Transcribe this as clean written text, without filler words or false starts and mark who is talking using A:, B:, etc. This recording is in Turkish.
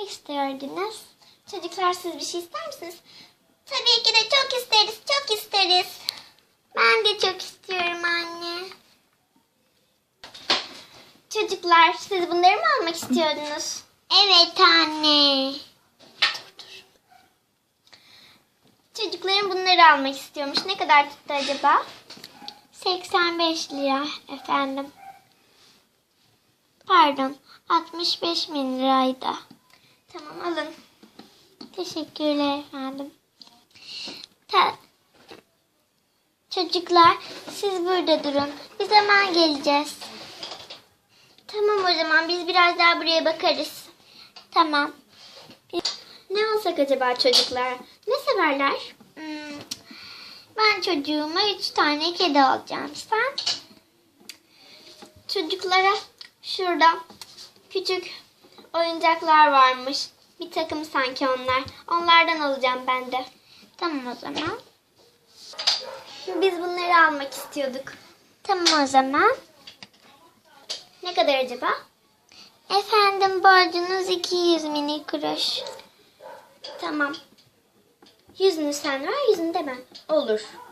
A: Ne isterdiniz? Çocuklar siz bir şey ister misiniz? Tabii ki de çok isteriz, çok isteriz. Ben de çok istiyorum anne. Çocuklar siz bunları mı almak istiyordunuz? Evet anne. Dur. Çocukların bunları almak istiyormuş. Ne kadar tuttu acaba? 85 lira efendim. Pardon, 65.000 liraydı. Tamam alın. Teşekkürler efendim. Çocuklar siz burada durun. Biz hemen geleceğiz. Tamam o zaman biz biraz daha buraya bakarız. Tamam. Ne alsak acaba çocuklar? Ne severler? Ben çocuğuma 3 tane kedi alacağım. Sen? Çocuklara şurada küçük oyuncaklar varmış. Bir takım sanki onlar. Onlardan alacağım ben de. Tamam o zaman. Biz bunları almak istiyorduk. Tamam o zaman. Ne kadar acaba? Efendim borcunuz 200 mini kuruş. Tamam. 100'ünü sen ver, 100'ünü de ben. Olur.